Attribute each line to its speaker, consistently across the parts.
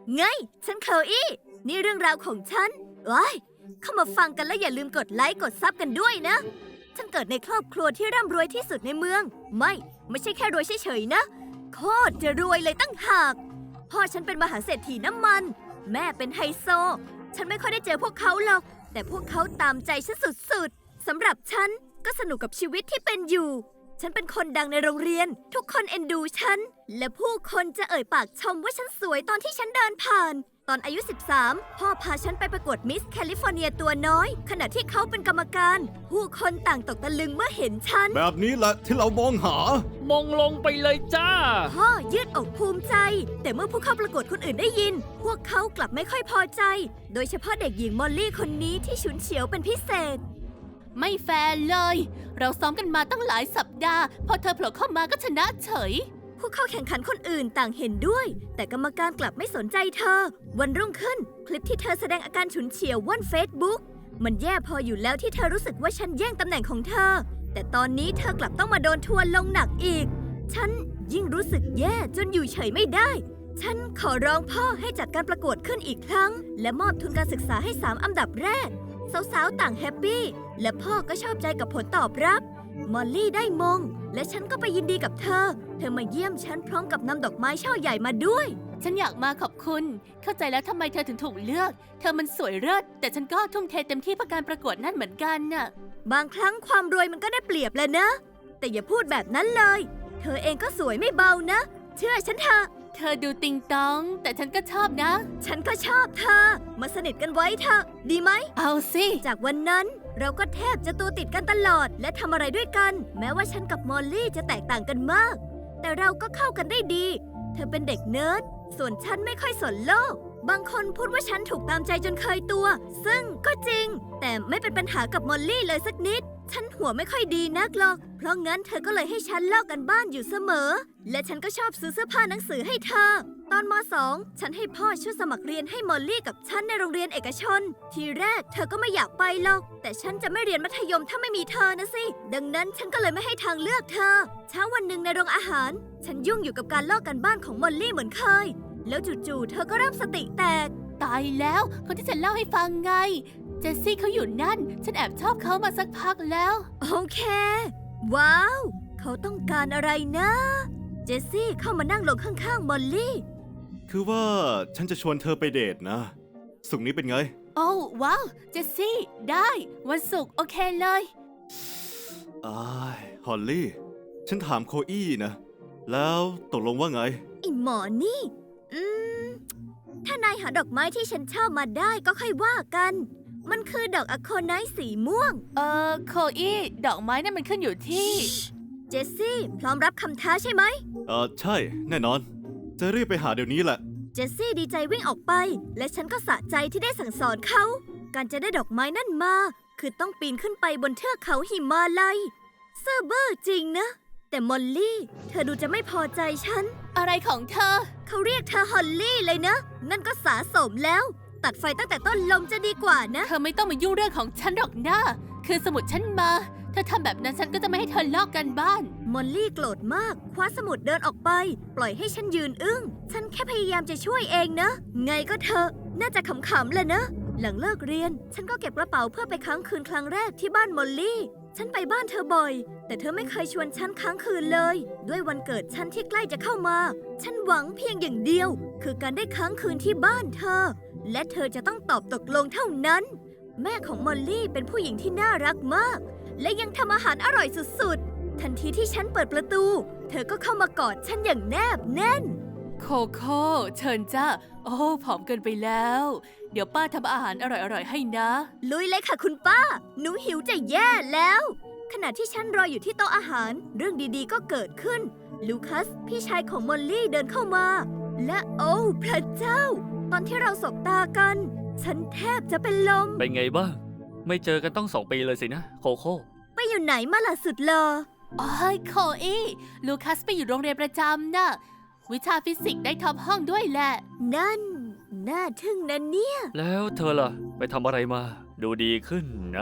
Speaker 1: ไงฉันโคลอี้นี่เรื่องราวของฉันว้ายเข้ามาฟังกันแล้วอย่าลืมกดไลค์กดซับกันด้วยนะฉันเกิดในครอบครัวที่ร่ำรวยที่สุดในเมืองไม่ใช่แค่รวยเฉยๆนะโคตรจะรวยเลยตั้งหากพ่อฉันเป็นมหาเศรษฐีน้ำมันแม่เป็นไฮโซฉันไม่ค่อยได้เจอพวกเขาหรอกแต่พวกเขาตามใจฉันสุดๆสำหรับฉันก็สนุกกับชีวิตที่เป็นอยู่ฉันเป็นคนดังในโรงเรียนทุกคนเอ็นดูฉันและผู้คนจะเอ่ยปากชมว่าฉันสวยตอนที่ฉันเดินผ่านตอนอายุ 13 พ่อพาฉันไปประกวดมิสแคลิฟอร์เนียตัวน้อยขณะที่เขาเป็นกรรมการผู้คนต่างตกตะลึงเมื่อเห็นฉัน
Speaker 2: แบบนี้แหละที่เรามองหาม
Speaker 3: องลงไปเลยจ้า
Speaker 1: พ่อยืดอกภูมิใจแต่เมื่อผู้เข้าประกวดคนอื่นได้ยินพวกเขากลับไม่ค่อยพอใจโดยเฉพาะเด็กหญิงมอลลี่คนนี้ที่ฉุนเฉียวเป็นพิเศษ
Speaker 4: ไม่แฟร์เลยเราซ้อมกันมาตั้งหลายสัปดาห์พอเธอโผล่เข้ามาก็ชนะเฉย
Speaker 1: ผู้เข้าแข่งขันคนอื่นต่างเห็นด้วยแต่กรรมการกลับไม่สนใจเธอวันรุ่งขึ้นคลิปที่เธอแสดงอาการฉุนเฉียวว่อนเฟซบุ๊กมันแย่พออยู่แล้วที่เธอรู้สึกว่าฉันแย่งตำแหน่งของเธอแต่ตอนนี้เธอกลับต้องมาโดนทัวร์ลงหนักอีกฉันยิ่งรู้สึกแย่จนอยู่เฉยไม่ได้ฉันขอร้องพ่อให้จัดการประกวดขึ้นอีกครั้งและมอบทุนการศึกษาให้3อันดับแรกสาวๆต่างแฮปปี้และพ่อก็ชอบใจกับผลตอบรับมอลลี่ได้มงและฉันก็ไปยินดีกับเธอมาเยี่ยมฉันพร้อมกับนำดอกไม้ช่อใหญ่มาด้วย
Speaker 4: ฉันอยากมาขอบคุณเข้าใจแล้วทำไมเธอถึงถูกเลือกเธอมันสวยเลิศแต่ฉันก็ทุ่มเทเต็มที่เพื่อการประกวดนั่นเหมือนกันน่ะ
Speaker 1: บางครั้งความรวยมันก็ได้เปรียบแหละนะแต่อย่าพูดแบบนั้นเลยเธอเองก็สวยไม่เบานะเชื่อฉันเถอะ
Speaker 4: เธอดูติงตองแต่ฉันก็ชอบนะ
Speaker 1: ฉันก็ชอบเธอมาสนิทกันไว้เถอะดีไหม
Speaker 4: เอาสิ
Speaker 1: จากวันนั้นเราก็แทบจะตัวติดกันตลอดและทำอะไรด้วยกันแม้ว่าฉันกับมอลลี่จะแตกต่างกันมากแต่เราก็เข้ากันได้ดีเธอเป็นเด็กเนิร์ดส่วนฉันไม่ค่อยสนโลกบางคนพูดว่าฉันถูกตามใจจนเคยตัวซึ่งก็จริงแต่ไม่เป็นปัญหากับมอลลี่เลยสักนิดฉันหัวไม่ค่อยดีนักหรอกเพราะงั้นเธอก็เลยให้ฉันลอกกันบ้านอยู่เสมอและฉันก็ชอบซื้อเสื้อผ้าหนังสือให้เธอตอนม.2 ฉันให้พ่อช่วยสมัครเรียนให้มอลลี่กับฉันในโรงเรียนเอกชนทีแรกเธอก็ไม่อยากไปหรอกแต่ฉันจะไม่เรียนมัธยมถ้าไม่มีเธอนะสิดังนั้นฉันก็เลยไม่ให้ทางเลือกเธอเช้าวันหนึ่งในโรงอาหารฉันยุ่งอยู่กับการลอกกันบ้านของมอลลี่เหมือนเคยแล้วจู่ๆเธอก็เริ่มสติแตก
Speaker 4: ตายแล้วคนที่ฉันเล่าให้ฟังไงเจสซี่เขาอยู่นั่นฉันแอบชอบเขามาสักพักแล้ว
Speaker 1: โอเคว้าวเขาต้องการอะไรนะเจสซี่เข้ามานั่งลงข้างๆมอลลี่
Speaker 2: คือว่าฉันจะชวนเธอไปเดทนะศุกร์นี้เป็นไง
Speaker 4: โอ้ว้าวเจสซี่ได้วันศุกร์โอเคเลย
Speaker 2: ฮอลลี่ฉันถามโคอี้นะแล้วตกลงว่าไง
Speaker 1: ไอหมอนี่ถ้านายหาดอกไม้ที่ฉันชอบมาได้ก็ค่อยว่ากันมันคือดอกอะโคไนท์สีม่วง
Speaker 4: โคอี้ดอกไม้นั่นมันขึ้นอยู่ที่
Speaker 1: เจสซี่พร้อมรับคำท้าใช่ไหม
Speaker 2: ใช่แน่นอนจะรีบไปหาเดี๋ยวนี้แหละ
Speaker 1: เจสซี่ดีใจวิ่งออกไปและฉันก็สะใจที่ได้สั่งสอนเขาการจะได้ดอกไม้นั่นมาคือต้องปีนขึ้นไปบนเทือกเขาหิมาลัยเซอร์เบอร์จริงนะแต่มอลลี่เธอดูจะไม่พอใจฉัน
Speaker 4: อะไรของเธอ
Speaker 1: เขาเรียกเธอฮอลลี่เลยนะนั่นก็สะสมแล้วตัดไฟตั้งแต่ต้นลมจะดีกว่านะ
Speaker 4: เธอไม่ต้องมายุ่งเรื่องของฉันหรอกนะคือสมุดฉันมาเธอทำแบบนั้นฉันก็จะไม่ให้เธอลอกกันบ้าน
Speaker 1: มอลลี่โกรธมากคว้าสมุดเดินออกไปปล่อยให้ฉันยืนอึ้งฉันแค่พยายามจะช่วยเองนะไงก็เธอน่าจะขำๆแหละนะหลังเลิกเรียนฉันก็เก็บกระเป๋าเพื่อไปค้างคืนครั้งแรกที่บ้านมอลลี่ฉันไปบ้านเธอบ่อยแต่เธอไม่เคยชวนฉันค้างคืนเลยด้วยวันเกิดฉันที่ใกล้จะเข้ามาฉันหวังเพียงอย่างเดียวคือการได้ค้างคืนที่บ้านเธอและเธอจะต้องตอบตกลงเท่านั้นแม่ของมอลลี่เป็นผู้หญิงที่น่ารักมากและยังทำอาหารอร่อยสุดๆทันทีที่ฉันเปิดประตูเธอก็เข้ามากอดฉันอย่างแนบแน่น
Speaker 4: โคโค่เชิญจ้าโอ้ผอมเกินไปแล้วเดี๋ยวป้าทำอาหารอร่อยๆให้นะ
Speaker 1: ลุยเลยค่ะคุณป้าหนูหิวจะแย่แล้วขณะที่ฉันรออยู่ที่โต๊ะอาหารเรื่องดีๆก็เกิดขึ้นลูคัสพี่ชายของมอลลี่เดินเข้ามาและโอ้พระเจ้าตอนที่เราสบตากันฉันแทบจะเป็นลม
Speaker 3: เป็นไงบ้างไม่เจอกันต้อง2 ปีเลยสินะโคโค่
Speaker 1: ไปอยู่ไหนมาล่ะสุดหล่อ
Speaker 4: อ๋อโคอี้ลูคัสไปอยู่โรงเรียนประจำน่ะวิชาฟิสิกส์ได้ท็อปห้องด้วยแหละ
Speaker 1: นั่นน่าทึ่งนะเนี่ย
Speaker 3: แล้วเธอล่ะไปทำอะไรมาดูดีขึ้นนะ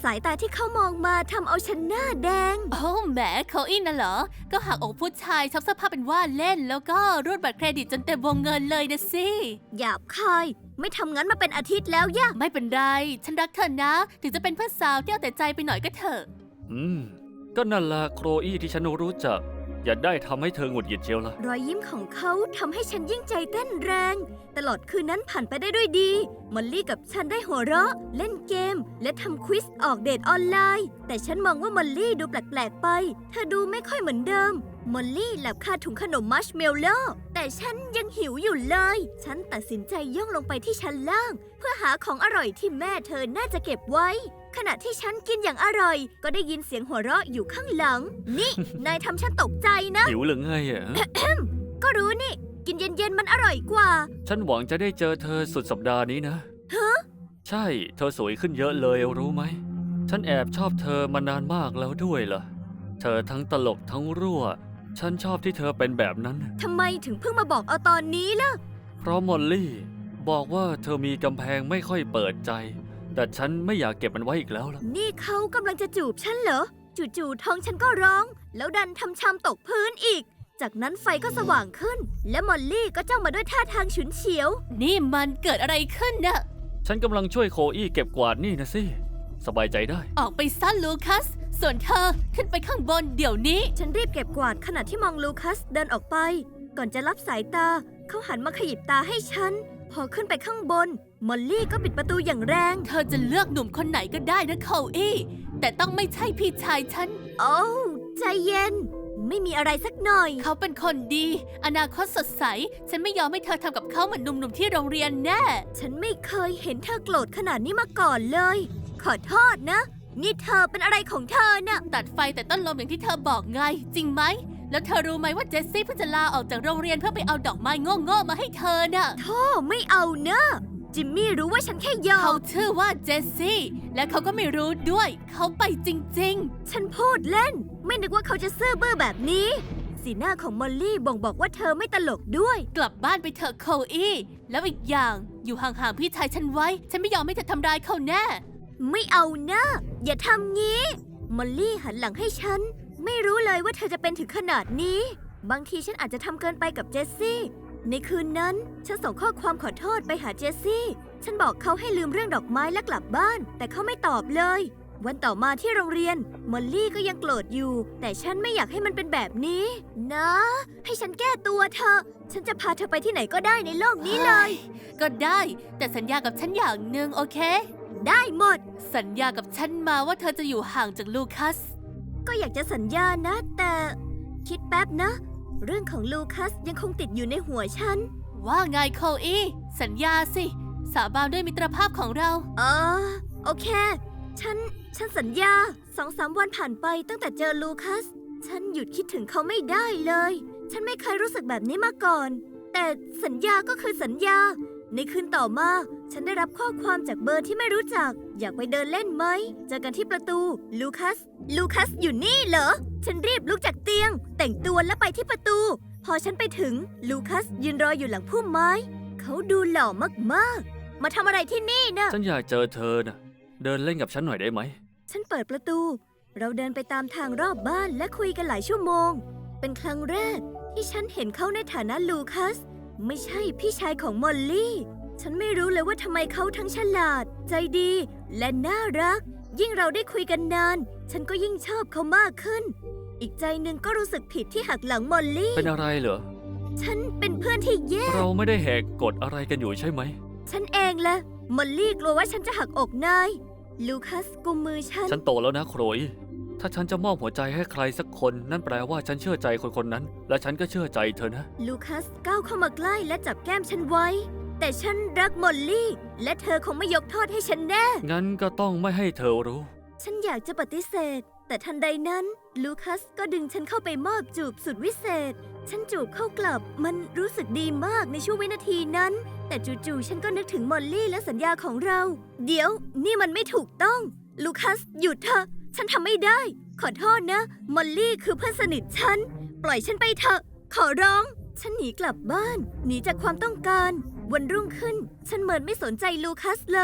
Speaker 1: สายตาที่เขามองมาทำเอาฉันหน้าแดง
Speaker 4: โอ้แหมเขาอินน่ะเหรอ ก็หักอกผู้ชายชอบเสื้อผ้าเป็นว่าเล่น แล้วก็รูดบัตรเครดิตจนเต็มวงเงินเลยนะสิ
Speaker 1: หยาบคาย ไม่ทำงั้นมาเป็นอาทิตย์แล้วย่ะ
Speaker 4: ไม่เป็นไร ฉันรักเธอนะ ถึงจะเป็นเพื่อนสาวที่เอาแต่ใจไปหน่อยก็เถอะ
Speaker 3: ก็นั่นล่ะโครอี้ที่ฉันรู้จัก อย่าได้ทำให้เธอหงุดหงิดเชียวละ
Speaker 1: รอยยิ้มของเขาทำให้ฉันยิ่งใจเต้นแรง ตลอดคืนนั้นผ่านไปได้ด้วยดี มอลลี่กับฉันได้หัวเราะ เล่นเกม และทำควิสออกเดทออนไลน์ แต่ฉันมองว่ามอลลี่ดูแปลกๆไป เธอดูไม่ค่อยเหมือนเดิม มอลลี่หลับคาถุงขนมมัชเมลโล่แต่ฉันยังหิวอยู่เลย ฉันตัดสินใจย่องลงไปที่ชั้นล่าง เพื่อหาของอร่อยที่แม่เธอน่าจะเก็บไว้ ขณะที่ฉันกินอย่างอร่อย ก็ได้ยินเสียงหัวเราะอยู่ข้างหลัง นี่ นายทำฉันตกใจนะ
Speaker 3: หิวหรือไงอ่ะ
Speaker 1: ก็รู้นี่ กินเย็นๆมันอร่อยกว่า
Speaker 3: ฉันหวังจะได้เจอเธอสุดสัปดาห์นี้นะ
Speaker 1: ฮะ
Speaker 3: ใช่ เธอสวยขึ้นเยอะเลยรู้ไหม ฉันแอบชอบเธอมานานมากแล้วด้วยล่ะ เธอทั้งตลกทั้งรั่ว ฉันชอบที่เธอเป็นแบบนั้น
Speaker 1: ทำไมถึงเพิ่งมาบอกเอาตอนนี้ล่ะ
Speaker 3: เพราะมอลลี่ บอกว่าเธอมีกำแพงไม่ค่อยเปิดใจ แต่ฉันไม่อยากเก็บมันไว้อีกแล้วล่ะ
Speaker 1: นี่เขากำลังจะจูบฉันเหรอ จู่ๆท้องฉันก็ร้อง แล้วดันทำชามตกพื้นอีก จากนั้นไฟก็สว่างขึ้น และมอลลี่ก็จ้องมาด้วยท่าทางฉุนเฉียว
Speaker 4: นี่มันเกิดอะไรขึ้นน่ะ
Speaker 3: ฉันกำลังช่วยโคอี้เก็บกวาดนี่นะสิ สบายใจได้
Speaker 4: ออกไปซะลูคัส ส่วนเธอขึ้นไปข้างบนเดี๋ยวนี้
Speaker 1: ฉันรีบเก็บกวาดขณะที่มองลูคัสเดินออกไป ก่อนจะรับสายตา เขาหันมาขยิบตาให้ฉัน พอขึ้นไปข้างบน มอลลี่ก็ปิดประตูอย่างแรง
Speaker 4: เธอจะเลือกหนุ่มคนไหนก็ได้นะโคอี้แต่ต้องไม่ใช่พี่ชายฉัน
Speaker 1: โอ้วใจเย็น ไม่มีอะไรสักหน่อย
Speaker 4: เขาเป็นคนดี อนาคตสดใส ฉันไม่ยอมให้เธอทำกับเขาเหมือนหนุ่มๆที่โรงเรียนแน่
Speaker 1: ฉันไม่เคยเห็นเธอโกรธขนาดนี้มาก่อนเลย ขอโทษนะ นี่เธอเป็นอะไรของเธอน่ะ
Speaker 4: ตัดไฟแต่ต้นลมอย่างที่เธอบอกไง จริงไหม แล้วเธอรู้ไหมว่าเจสซี่เพิ่งจะลาออกจากโรงเรียนเพื่อไปเอาดอกไม้โง่ๆมาให้เธอน่ะ
Speaker 1: โธ่ไม่เอาเนอะจิมมี่รู้ว่าฉันแค่หยอ
Speaker 4: เขา
Speaker 1: ก
Speaker 4: ชื่อว่าเจสซี่ และเขาก็ไม่รู้ด้วย เขาไปจริง
Speaker 1: ฉันพูดเล่น ไม่นึกว่าเขาจะซื่อบื้อแบบนี้ สีหน้าของมอลลี่บ่งบอกว่าเธอไม่ตลกด้วย
Speaker 4: ๆ กลับบ้านไปเถอะโคอี้แล้วอีกอย่างอยู่ห่างๆพี่ชายฉันไว้ ฉันไม่ยอมให้เธอทำร้ายเขาแน่
Speaker 1: ไม่เอานะอย่าทำงี้ มอลลี่หันหลังให้ฉัน ไม่รู้เลยว่าเธอจะเป็นถึงขนาดนี้ บางทีฉันอาจจะทำเกินไปกับเจสซี่ ในคืนนั้น ฉันส่งข้อความขอโทษไปหาเจสซี่ ฉันบอกเขาให้ลืมเรื่องดอกไม้และกลับบ้าน แต่เขาไม่ตอบเลย วันต่อมาที่โรงเรียน มอลลี่ก็ยังโกรธอยู่ แต่ฉันไม่อยากให้มันเป็นแบบนี้ นะ ให้ฉันแก้ตัวเถอะ ฉันจะพาเธอไปที่ไหนก็ได้ในโลกนี้เลย
Speaker 4: ก็ได้ แต่สัญญากับฉันอย่างหนึ่งโอเค
Speaker 1: ได้หมด
Speaker 4: สัญญากับฉันมาว่าเธอจะอยู่ห่างจากลูคัส
Speaker 1: ก็อยากจะสัญญานะ แต่คิดแป๊บนะ เรื่องของลูคัสยังคงติดอยู่ในหัวฉัน
Speaker 4: ว่าไงโคอี้สัญญาสิ สาบานด้วยมิตรภาพของเรา
Speaker 1: โอเค ฉันสัญญา2-3 วันผ่านไปตั้งแต่เจอลูคัส ฉันหยุดคิดถึงเขาไม่ได้เลย ฉันไม่เคยรู้สึกแบบนี้มาก่อน แต่สัญญาก็คือสัญญา ในคืนต่อมา ฉันได้รับข้อความจากเบอร์ที่ไม่รู้จัก อยากไปเดินเล่นไหม เจอกันที่ประตู ลูคัสอยู่นี่เหรอ ฉันรีบลุกจากเตียง แต่งตัวและไปที่ประตู พอฉันไปถึง ลูคัสยืนรออยู่หลังพุ่มไม้ เขาดูหล่อมากๆ มาทำอะไรที่นี่นะ
Speaker 3: ฉันอยากเจอเธอนะเดินเล่นกับฉันหน่อยได้ไหม
Speaker 1: ฉันเปิดประตู เราเดินไปตามทางรอบบ้านและคุยกันหลายชั่วโมง เป็นครั้งแรกที่ฉันเห็นเขาในฐานะลูคัส ไม่ใช่พี่ชายของมอลลี่ ฉันไม่รู้เลยว่าทำไมเขาทั้งฉลาด ใจดี และน่ารัก ยิ่งเราได้คุยกันนาน ฉันก็ยิ่งชอบเขามากขึ้น อีกใจหนึ่งก็รู้สึกผิดที่หักหลังมอลลี่
Speaker 3: เป็นอะไรเหรอ
Speaker 1: ฉันเป็นเพื่อนที่แย่
Speaker 3: เราไม่ได้แหกกฎอะไรกันอยู่ใช่ไหม
Speaker 1: ฉันเองแหละมอลลี่กลัวว่าฉันจะหักอกนาย ลูคัสกุมมือฉัน
Speaker 3: ฉันโตแล้วนะโครอีถ้าฉันจะมอบหัวใจให้ใครสักคน นั่นแปลว่าฉันเชื่อใจคนนั้น และฉันก็เชื่อใจเธอนะ
Speaker 1: ลูคัสก้าวเข้ามาใกล้และจับแก้มฉันไว้ แต่ฉันรักมอลลี่ และเธอคงไม่ยกโทษให้ฉันแน่
Speaker 3: งั้นก็ต้องไม่ให้เธอรู้
Speaker 1: ฉันอยากจะปฏิเสธ แต่ทันใดนั้น ลูคัสก็ดึงฉันเข้าไปมอบจูบสุดวิเศษ ฉันจูบเข้ากลับ มันรู้สึกดีมากในช่วงวินาทีนั้น แต่จู่ๆฉันก็นึกถึงมอลลี่และสัญญาของเรา เดี๋ยว นี่มันไม่ถูกต้อง ลูคัสหยุดเถอะ ฉันทำไม่ได้ ขอโทษนะ มอลลี่คือเพื่อนสนิทฉัน ปล่อยฉันไปเถอะ ขอร้อง ฉันหนีกลับบ้าน หนีจากความต้องการ วันรุ่งขึ้น ฉันเหมือนไม่สนใจลูคัสเลย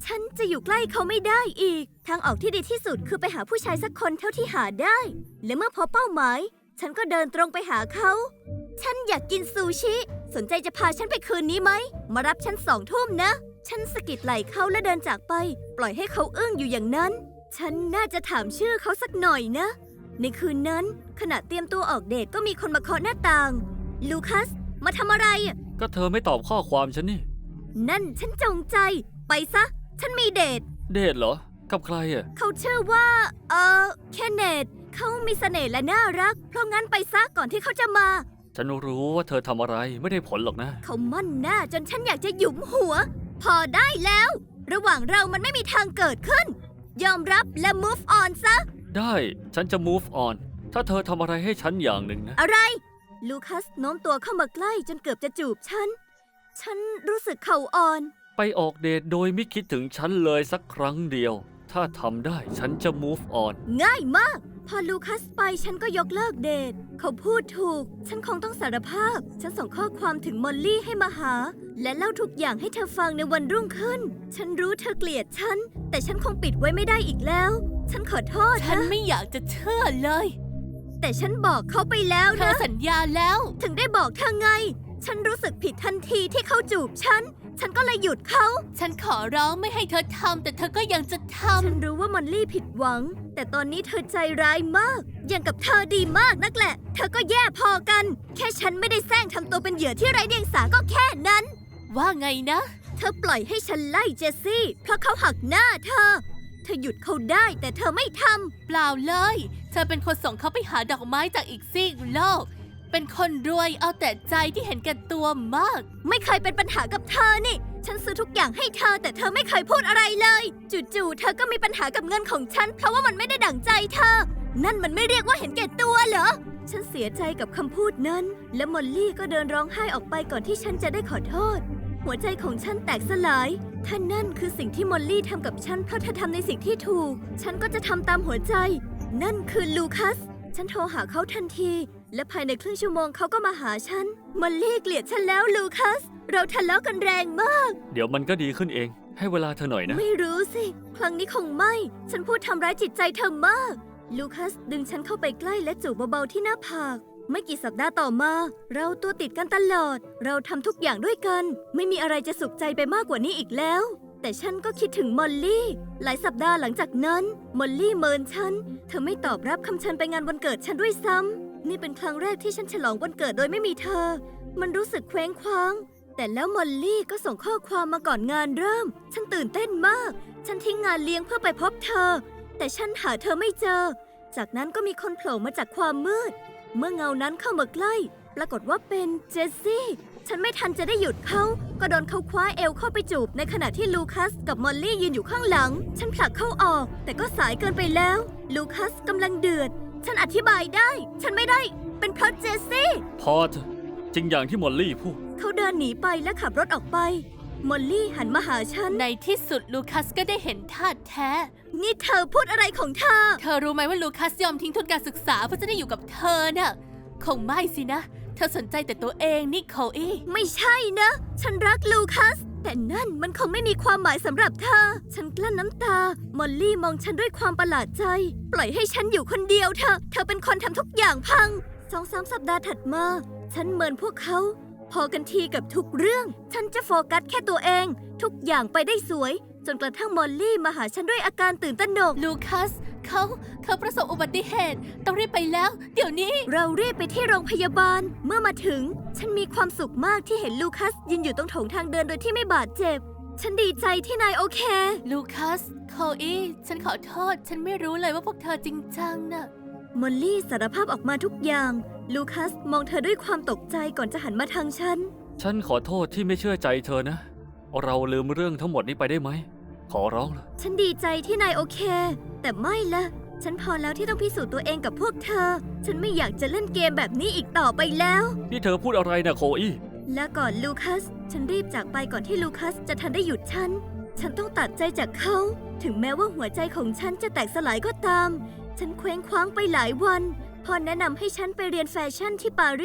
Speaker 1: ฉันจะอยู่ใกล้เขาไม่ได้อีก ทางออกที่ดีที่สุดคือไปหาผู้ชายสักคนเท่าที่หาได้ และเมื่อพบเป้าหมาย ฉันก็เดินตรงไปหาเขา ฉันอยากกินซูชิ สนใจจะพาฉันไปคืนนี้ไหม มารับฉัน2 ทุ่มนะ ฉันสะกิดไหล่เขาและเดินจากไป ปล่อยให้เขาอึ้งอยู่อย่างนั้น ฉันน่าจะถามชื่อเขาสักหน่อยนะ ในคืนนั้นขณะเตรียมตัวออกเดทก็มีคนมาเคาะหน้าต่าง ลูคัส มาทำอะไรอะ
Speaker 3: ก็เธอไม่ตอบข้อความฉันนี่
Speaker 1: นั่นฉันจงใจ ไปซะ ฉันมีเดท
Speaker 3: เดทเหรอ กับใครอ่ะ
Speaker 1: เขาชื่อว่าเคนเนตเขามีเสน่ห์และน่ารัก เพราะงั้นไปซะก่อนที่เขาจะมา
Speaker 3: ฉันรู้ว่าเธอทำอะไรไม่ได้ผลหรอกนะ
Speaker 1: เขามั่นหน้าจนฉันอยากจะหยุมหัว พอได้แล้ว ระหว่างเรามันไม่มีทางเกิดขึ้น ยอมรับและ move on ซะ
Speaker 3: ได้ฉันจะ move on ถ้าเธอทำอะไรให้ฉันอย่างหนึ่งนะ
Speaker 1: อะไร ลูคัสโน้มตัวเข้ามาใกล้จนเกือบจะจูบฉัน ฉันรู้สึกเข่าอ่อน
Speaker 3: ไปออกเดทโดยไม่คิดถึงฉันเลยสักครั้งเดียว ถ้าทำได้ฉันจะ move on
Speaker 1: ง่ายมาก พอลูคัสไปฉันก็ยกเลิกเดท เขาพูดถูก ฉันคงต้องสารภาพ ฉันส่งข้อความถึงมอลลี่ให้มาหา และเล่าทุกอย่างให้เธอฟังในวันรุ่งขึ้น ฉันรู้เธอเกลียดฉัน แต่ฉันคงปิดไว้ไม่ได้อีกแล้ว ฉันขอโทษ
Speaker 4: ฉัน
Speaker 1: นะ
Speaker 4: ไม่อยากจะเชื่อเลย
Speaker 1: แต่ฉันบอกเขาไปแล้ว
Speaker 4: เธอ
Speaker 1: นะ
Speaker 4: สัญญาแล้ว
Speaker 1: ถึงได้บอกเธอไง ฉันรู้สึกผิดทันทีที่เขาจูบฉัน ฉันก็เลยหยุดเขา
Speaker 4: ฉันขอร้องไม่ให้เธอทำแต่เธอก็ยังจะท
Speaker 1: ฉันรู้ว่ามอลลี่ผิดหวัง แต่ตอนนี้เธอใจร้ายมาก อย่างกับเธอดีมากนักแหละ เธอก็แย่พอกัน แค่ฉันไม่ได้แซงทำตัวเป็นเหยื่อที่ไร้เดียงสาก็แค่นั้น
Speaker 4: ำว่าไงนะ
Speaker 1: เธอปล่อยให้ฉันไล่เจสซี่ เพราะเขาหักหน้าเธอ เธอหยุดเขาได้แต่เธอไม่ท
Speaker 4: เปล่าเลย เธอเป็นคนส่งเขาไปหาดอกไม้จากอีกซีกโลก เป็นคนรวยเอาแต่ใจที่เห็นแก่ตัวมาก
Speaker 1: ำไม่เคยเป็นปัญหากับเธอนี่ ฉันซื้อทุกอย่างให้เธอแต่เธอไม่เคยพูดอะไรเลย จู่ๆเธอก็มีปัญหากับเงินของฉัน เพราะว่ามันไม่ได้ดั่งใจเธอ นั่นมันไม่เรียกว่าเห็นแก่ตัวเหรอ ฉันเสียใจกับคำพูดนั้น และมอลลี่ก็เดินร้องไห้ออกไปก่อนที่ฉันจะได้ขอโทษ หัวใจของฉันแตกสลาย ถ้านั่นคือสิ่งที่มอลลี่ทำกับฉันเพราะเธอทำในสิ่งที่ถูก ฉันก็จะทำตามหัวใจ นั่นคือลูคัส ฉันโทรหาเขาทันที และภายในครึ่งชั่วโมงเขาก็มาหาฉัน มอลลี่เกลียดฉันแล้วลูคัส เราทะเลาะกันแรงมาก
Speaker 3: เดี๋ยวมันก็ดีขึ้นเอง ให้เวลาเธอหน่อยนะ
Speaker 1: ไม่รู้สิ ครั้งนี้คงไม่ ฉันพูดทำร้ายจิตใจเธอมาก ลูคัสดึงฉันเข้าไปใกล้และจูบเบาๆที่หน้าผาก ไม่กี่สัปดาห์ต่อมา เราตัวติดกันตลอด เราทำทุกอย่างด้วยกัน ไม่มีอะไรจะสุขใจไปมากกว่านี้อีกแล้ว แต่ฉันก็คิดถึงมอลลี่ หลายสัปดาห์หลังจากนั้น มอลลี่เมินฉัน เธอไม่ตอบรับคำเชิญไปงานวันเกิดฉันด้วยซ้ำ นี่เป็นครั้งแรกที่ฉันฉลองวันเกิดโดยไม่มีเธอ มันรู้สึกเคว้งคว้าง แต่แล้วมอลลี่ก็ส่งข้อความมาก่อนงานเริ่ม ฉันตื่นเต้นมาก ฉันทิ้งงานเลี้ยงเพื่อไปพบเธอ แต่ฉันหาเธอไม่เจอ จากนั้นก็มีคนโผล่มาจากความมืด เมื่อเงานั้นเข้ามาใกล้ ปรากฏว่าเป็นเจสซี่ ฉันไม่ทันจะได้หยุดเขา ก็โดนเขาคว้าเอวเข้าไปจูบในขณะที่ลูคัสกับมอลลี่ยืนอยู่ข้างหลัง ฉันผลักเขาออก แต่ก็สายเกินไปแล้ว ลูคัสกำลังเดือด ฉันอธิบายได้ ฉันไม่ได้ เป็นเพราะเจสซี่
Speaker 3: พอเถอะจริงอย่างที่มอลลี่พูด
Speaker 1: เขาเดินหนีไปและขับรถออกไป มอลลี่หันมาหาฉัน
Speaker 4: ในที่สุดลูคัสก็ได้เห็นท่าแท้
Speaker 1: นี่เธอพูดอะไรของเธอ
Speaker 4: เธอรู้ไหมว่าลูคัสยอมทิ้งทุนการศึกษาเพื่อจะได้อยู่กับเธอน่ะ คงไม่สินะ เธอสนใจแต่ตัวเองนี่โคอี้
Speaker 1: ไม่ใช่นะ ฉันรักลูคัส แต่นั่นมันคงไม่มีความหมายสำหรับเธอ ฉันกลั้นน้ำตา มอลลี่มองฉันด้วยความประหลาดใจ ปล่อยให้ฉันอยู่คนเดียวเถอะ เธอเป็นคนทำทุกอย่างพัง2-3 สัปดาห์ถัดมา ฉันเมินพวกเขา พอกันทีกับทุกเรื่อง ฉันจะโฟกัสแค่ตัวเอง ทุกอย่างไปได้สวย จนกระทั่งมอลลี่มาหาฉันด้วยอาการตื่นตระหนก
Speaker 4: ลูคัสเขาประสบอุบัติเหตุ ต้องรีบไปแล้ว เดี๋ยวนี้
Speaker 1: เรารีบไปที่โรงพยาบาล เมื่อมาถึง ฉันมีความสุขมากที่เห็นลูคัสยืนอยู่ตรงโถงทางเดินโดยที่ไม่บาดเจ็บ ฉันดีใจที่นายโอเค
Speaker 4: ลูคัสโคอี้ฉันขอโทษ ฉันไม่รู้เลยว่าพวกเธอจริงจังน่ะ
Speaker 1: มอลลี่สารภาพออกมาทุกอย่าง ลูคัสมองเธอด้วยความตกใจก่อนจะหันมาทางฉัน
Speaker 3: ฉันขอโทษที่ไม่เชื่อใจเธอนะ เราลืมเรื่องทั้งหมดนี้ไปได้ไหม ขอร้องละ
Speaker 1: ฉันดีใจที่นายโอเค แต่ไม่ละฉันพอแล้วที่ต้องพิสูจน์ตัวเองกับพวกเธอ ฉันไม่อยากจะเล่นเกมแบบนี้อีกต่อไปแล้ว
Speaker 3: นี่เธอพูดอะไรนะโคอี้
Speaker 1: และก่อนลูคัส ฉันรีบจากไปก่อนที่ลูคัสจะทันได้หยุดฉัน ฉันต้องตัดใจจากเขา ถึงแม้ว่าหัวใจของฉันจะแตกสลายก็ตาม ฉันเคว้งคว้างไปหลายวัน พอแนะนำให้ฉันไปเรียนแฟชั่นที่ปารีส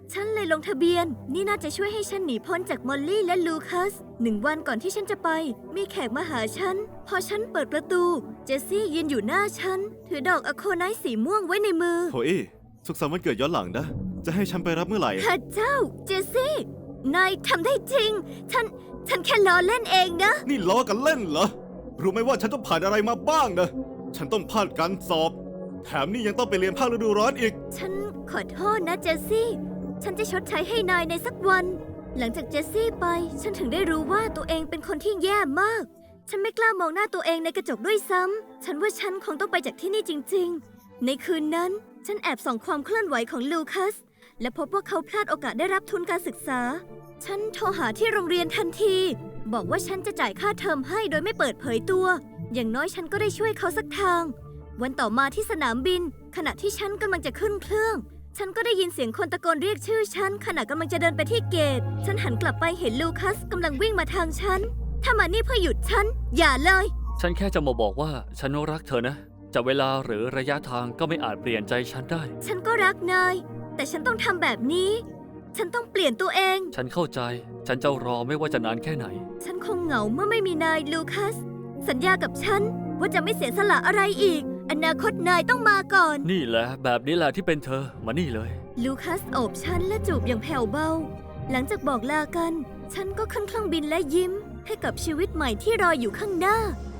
Speaker 1: ฉันเลยลงทะเบียน นี่น่าจะช่วยให้ฉันหนีพ้นจากมอลลี่และลูคัส 1 วันก่อนที่ฉันจะไป มีแขกมาหาฉัน พอฉันเปิดประตู เจสซี่ยืนอยู่หน้าฉัน ถือดอกอะโคไนท์สีม่วงไว้ในมือ
Speaker 2: โถอี้สุขสันต์วันเกิดย้อนหลังนะ จะให้ฉันไปรับเมื่อไหร่
Speaker 1: พระเจ้า เจสซี่ นายทำได้จริง ฉันแค่ล้อเล่นเองนะ
Speaker 2: นี่ล้อกันเล่นเหรอ รู้ไหมว่าฉันต้องผ่านอะไรมาบ้างนะ ฉันต้องผ่านการสอบ แถมนี่ยังต้องไปเรียนภาคฤดูร้อนอีก
Speaker 1: ฉันขอโทษนะเจสซี่ ฉันจะชดใช้ให้นายในสักวัน หลังจากเจสซี่ไป ฉันถึงได้รู้ว่าตัวเองเป็นคนที่แย่มาก ฉันไม่กล้ามองหน้าตัวเองในกระจกด้วยซ้ำ ฉันว่าฉันคงต้องไปจากที่นี่จริงๆ ในคืนนั้น ฉันแอบส่องความเคลื่อนไหวของลูคัส และพบว่าเขาพลาดโอกาสได้รับทุนการศึกษา ฉันโทรหาที่โรงเรียนทันที บอกว่าฉันจะจ่ายค่าเทอมให้โดยไม่เปิดเผยตัว อย่างน้อยฉันก็ได้ช่วยเขาสักทาง วันต่อมาที่สนามบิน ขณะที่ฉันกำลังจะขึ้นเครื่อง ฉันก็ได้ยินเสียงคนตะโกนเรียกชื่อฉันขณะกำลังจะเดินไปที่เกต ฉันหันกลับไปเห็นลูคัสกำลังวิ่งมาทางฉัน ถ้ามานี่เพื่อหยุดฉัน อย่าเลย
Speaker 3: ฉันแค่จะมาบอกว่าฉันรักเธอนะ จะเวลาหรือระยะทางก็ไม่อาจเปลี่ยนใจฉันได้
Speaker 1: ฉันก็รักนาย แต่ฉันต้องทำแบบนี้ ฉันต้องเปลี่ยนตัวเอง
Speaker 3: ฉันเข้าใจ ฉันจะรอไม่ว่าจะนานแค่ไหน
Speaker 1: ฉันคงเหงาเมื่อไม่มีนายลูคัส สัญญากับฉันว่าจะไม่เสียสละอะไรอีก อนาคตนายต้องมาก่อน
Speaker 3: นี่แหละแบบนี้แหละที่เป็นเธอ มานี่เลย
Speaker 1: ลูคัสโอบฉันและจูบอย่างแผ่วเบา หลังจากบอกลากัน ฉันก็ขึ้นเครื่องบินและยิ้ม ให้กับชีวิตใหม่ที่รออยู่ข้างหน้า